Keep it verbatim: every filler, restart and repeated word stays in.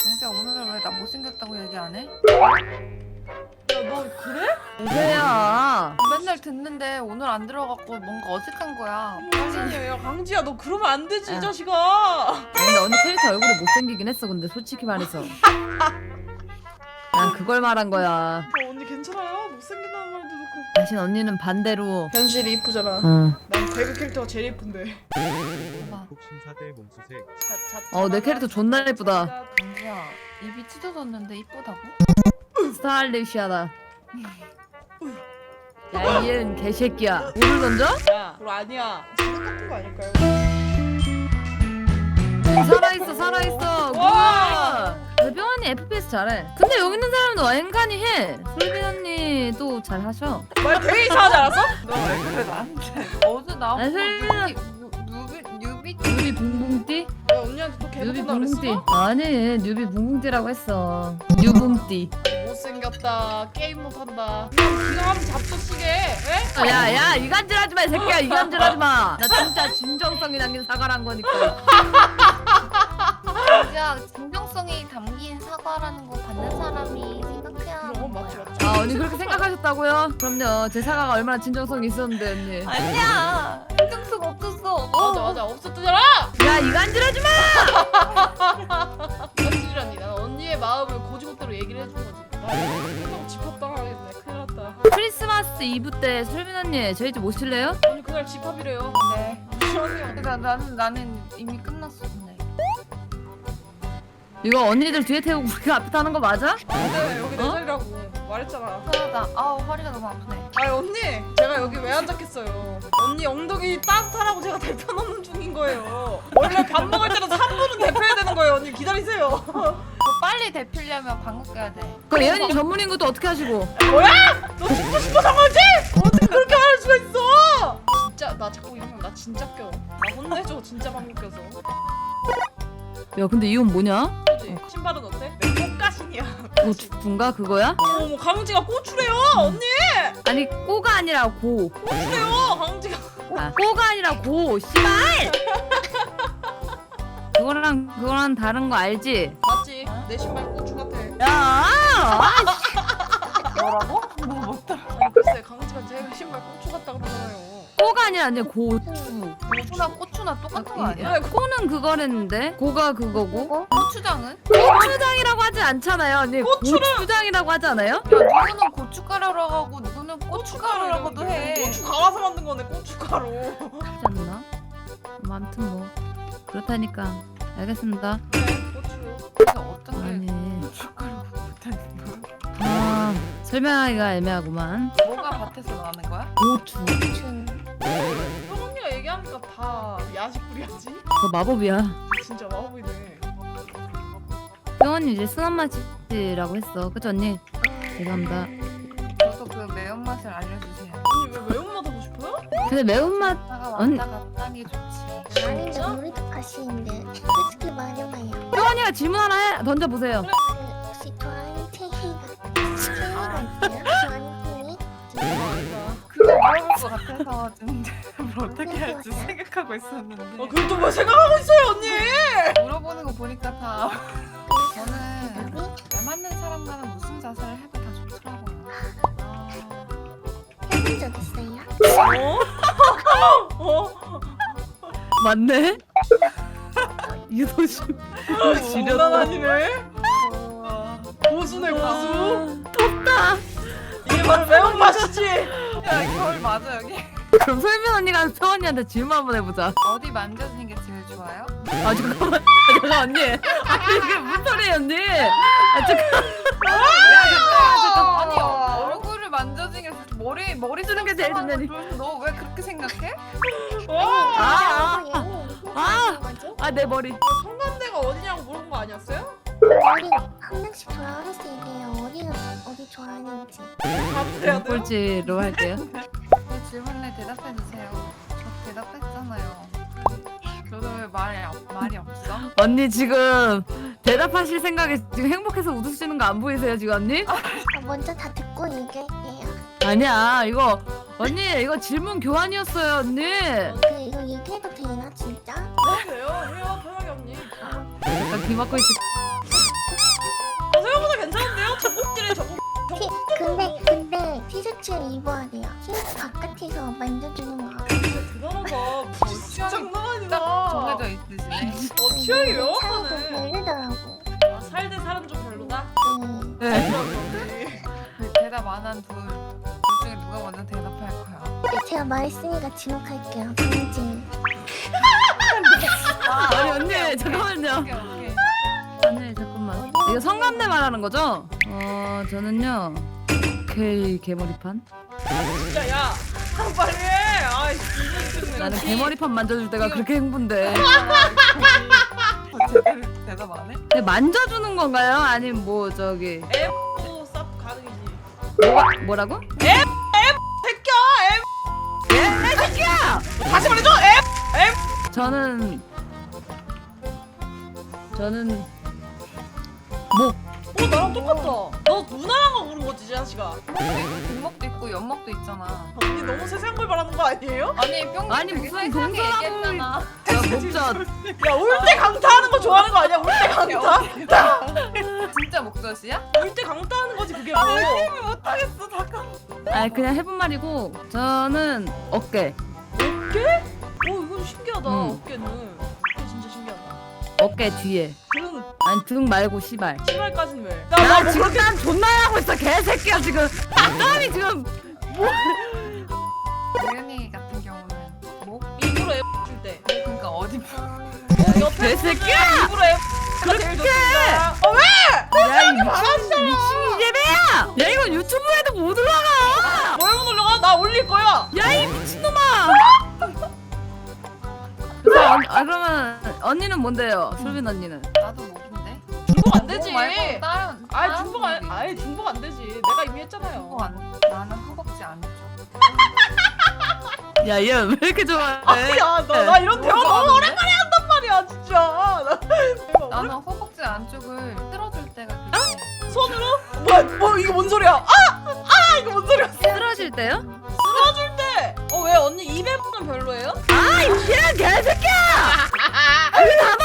강지야 오늘 왜 나 못생겼다고 얘기 안 해? 야, 너 그래? 뭐야? 맨날 듣는데 오늘 안 들어갖고 뭔가 어색한 거야. 아니, 야, 강지야, 너 그러면 안 되지, 이 야. 자식아. 근데 언니 캐릭터 얼굴이 못생기긴 했어. 근데 솔직히 말해서 난 그걸 말한 거야. 어, 언니 괜찮아요? 못생긴다는 말도 듣고. 당신 언니는 반대로 현실이 이쁘잖아. 응. 난 배그 캐릭터가 제일 이쁜데. 봐봐. 독심사대 몸수색. 어, 내 캐릭터 존나 예쁘다. 강지야 입이 찢어졌는데 이쁘다고? 스타일리시하다. 야, 이은 개새끼야. 물을 던져? 야, 그거 아니야. 지금 같은 거 아닐까요? 살아있어, 살아있어. 와! 뭐야? 배병 언니 에프피에스 잘해. 근데 여기 있는 사람도 엔간히 해. 솔빈 언니도 잘하셔. 말 되게 이상하지 않았어? 너 왜 그래 나한테? 어제 나보고 아, 설마. 뉴비 뉴비 뉴비 붕붕띠? 야, 언니한테 또 뉴비 개못한다 그랬어? 붕붕띠. 아니, 뉴비 붕붕띠라고 했어. 뉴붕띠. 못생겼다. 게임 못한다. 그냥 기가 하면 잡초치게. 에? 어, 야, 야, 이간질 하지 마, 이 새끼야. 이간질 하지 마. 나 진짜 진정성이 담긴 사과를 한 거니까. 강지야 진정성이 담긴 사과라는 거 받는 사람이 생각해야 하는 어, 맞지, 거야. 맞지. 아, 언니 그렇게 생각하셨다고요? 그럼요. 제 사과가 얼마나 진정성이 있었는데, 언니. 아니야 신경쓰 없었어. 맞아, 맞아. 없었잖아! 야, 이간질 하지 마! 현실이라니. 난 언니의 마음을 고지고대로 얘기를 해준 거지. 나 이거 집합당하겠네. 큰일 났다. 크리스마스 이브 때 솔빈 언니 저희 집 오실래요? 언니 그날 집합이래요. 네. 시원해요. 나 나는 나는 이미 끝났어 근데. 이거 언니들 뒤에 태우고 우리가 앞에 타는 거 맞아? 근데 여기 내 어? 자리라고 말했잖아. 편하다. 아우 허리가 너무 아프네. 아니 언니, 제가 여기 왜 앉았겠어요? 언니 엉덩이 따뜻하라고 제가 대표 놓는 중인 거예요. 원래 밥 먹을 때는 삼 분은 대표해야 되는 거예요. 언니 기다리세요. 너 빨리 대필려면 방귀 껴야 돼. 그 예은이 전문인 것도 어떻게 하시고? 뭐야? 너 죽고 싶어서 거지? 어떻게 그렇게 말할 수가 있어? 진짜 나 자꾸 이러면 나 진짜 껴. 나 혼내줘 진짜 방귀 껴서. 야, 근데 이 옷 뭐냐? 그지? 신발은 어때? 내 꽃가신이야. 뭐 죽군가 그거야? 어머 강지가 고추래요 언니. 아니 꼬가 아니라 고. 고추래요 강지가. 아, 꼬가 아니라 고. 씨발! 그거랑 그거랑 다른 거 알지? 맞지? 내 신발 고추 같아. 야! 뭐라고? 나 못 들어. 아니 글쎄 강지가 제 신발 고추 같다 그러잖아요. 꼬가 아니라 아니라 고추. 고추나 고추나 똑같은 거 아니야? 왜 꼬는 그거랬는데 고가 그거고. 고추장은? 고추장이라고 하지 않잖아요. 언니 고추를- 고추장이라고 하지 않아요? 야 누구는 고춧가루라고 하고 누구는 고춧가루라고도 해. 고추 갈아서 만든 거네 고춧가루. 하지 않나? 뭐 아무튼 뭐 그렇다니까. 알겠습니다. 네 고추. 그래서 어떤 게 아니 고춧가루 못하는 거야? 아 설명하기가 애매하구만. 뭐가 밭에서 나는 거야? 고추. 춘. 형 언니가 얘기하니까 다 야식불이야지. 그거 마법이야. 진짜 마법이네. 병원이 이제 순한 맛이라고 했어. 그쵸 언니? 죄송합니다. 저도 그 매운맛을 알려주세요. 언니 왜 매운맛 하고 싶어요? 근데 매운맛 왔다가 언니- 왔다 갔다 하는 게 좋지. 아니 나 우리도 가시인데 솔직히 말해봐요. 병원이가 질문 하나 해 던져보세요. 그 혹시 좋아하는 체이가 체이가 있어요? 좋아하는 체이? 그거 물어볼 것 같아서 좀 뭘 어떻게 할지 생각하고 있었는데 어 그걸 또 뭐 생각하고 있어요 언니? 물어보는 거 보니까 다 저는 여기 잘 맞는 사람과는 무슨 자세를 해도 다 좋더라고요. 아, 해본 적 있어요? 어? 어? 맞네? 유도심. 장난 아니네. 우와. 고수네 고수. 덥다. 이게 바로 매운맛이지. 야 겨울 맞아 여기? 그럼 솔빈 언니가 병원이한테 질문 한번 해보자. 어디 만져주는 게 제일 좋아요? 아 잠깐만. 아, 잠깐 언니. 아니 이게 무슨 소리예요 언니? 아 잠깐. 야 잠깐 아니 얼굴을 만져주는 게 머리 머리 주는 게 제일 좋냐니. 너 왜 그렇게 생각해? 와. 아, 아, 아. 뭐지? 아 내 머리. 성관대가 어디냐고 물어본 거 아니었어요? 머리 한 명씩 좋아할 수 있대요. 어디가 어디 좋아하는지. 답해야 돼요? 꼴찌로 할게요. 제 질문에 대답해 주세요. 저 대답했잖아요. 저도 왜 말이 없- 말이 없어? 언니 지금 대답하실 생각에 지금 행복해서 웃으시는 거 안 보이세요 지금 언니? 아, 먼저 다 듣고 얘기할게요. 아니야 이거 언니 이거 질문 교환이었어요 언니. 그 이거 얘기해도 되나 진짜? 돼요. 해요 편하게 언니. 잠깐 귀 막고 있을. 지목해서 만져주는 거. 대단하다. 진짜 장난 아니다. 딱 정해져 있으시네. 어 취향이 사이도 명확하네. 별로더라고. 아, 살대 살은 좀 별로다. 네. 네. 그 대답 안 한 둘, 둘 중에 누가 먼저 대답할 거야? 네, 제가 말했으니까 지목할게요. 강진. 아, 아니 언니 잠깐만요. 오케이 오케이. 아니 잠깐만. 이거 성감대 말하는 거죠? 어 저는요. 오케이 개머리판. 진짜 야 빨리 해. 아이 진짜 나는 개머리판 만져줄 때가 그렇게 행복한데. 제대로 대답 안 해? 근데 만져주는 건가요? 아니면 뭐 저기 엠도 쌉 가능이지. 뭐가 뭐라고? 새끼야 엠. 예? 새끼야! 다시 말해줘 엠. 저는 저는 목. 어 나랑 똑같다. 너 누나랑 고른 거지 이 자식아. 등목도 있고 연목도 있잖아. 언니 너무 세세한 걸 말하는 거 아니에요? 아니 뿅 아니, 되게 무슨 세세하게 동서남을- 얘기했잖아. 야 목젖. 야 올 때 강타하는 거 좋아하는 거 아니야? 올 때 강타? 진짜 목젖이야? 올 때 강타하는 거지 그게 뭐. 못하겠어 잠깐. 아니 그냥 해본 말이고 저는 어깨. 어깨? 오 이건 신기하다. 음. 어깨는. 어깨 진짜 신기하다. 어깨 뒤에. 등 아니 등 말고 시발. 신발까지는 왜? 나 나나뭐 지금 그렇게 난 존나 하고 있어 개새끼야 지금. 땀이 지금. 도현이 같은 경우는 목? 입으로 애 줄 때. 그러니까 어디 어, 옆에 개새끼야! 입으로 애 제일 좋습니다. 어 왜? 야이 미친 미친 이재배야. 야 이거 유튜브에도 못 올라가. 뭘 못 올려가? 나 올릴 거야. 야이 미친놈아. 그래서 언, 아 그러면 언니는 뭔데요? 솔빈 언니는? 나도 목인데? 중복 안 되지. 목 말고 다른 아예 다른 중복 안, 부위. 아예 중복 안 되지. 내가 이미 했잖아요. 중복 안 나는 허벅지 안 줘. 야 얘 왜 이렇게 좋아해? 아니야, 나, 나 이런 대화 너무 오랜만에 한단 말이야, 진짜. 나, 나는 허벅지 안쪽을 쓸어줄 때가 그렇게 손으로? 뭐야, 뭐 이거 뭔 소리야? 아, 아 이거 뭔 소리야? 쓰러질 때요? 쓸어줄 때. 어 왜 언니 입에 는 별로예요? 아이 개새끼야! 아니 나도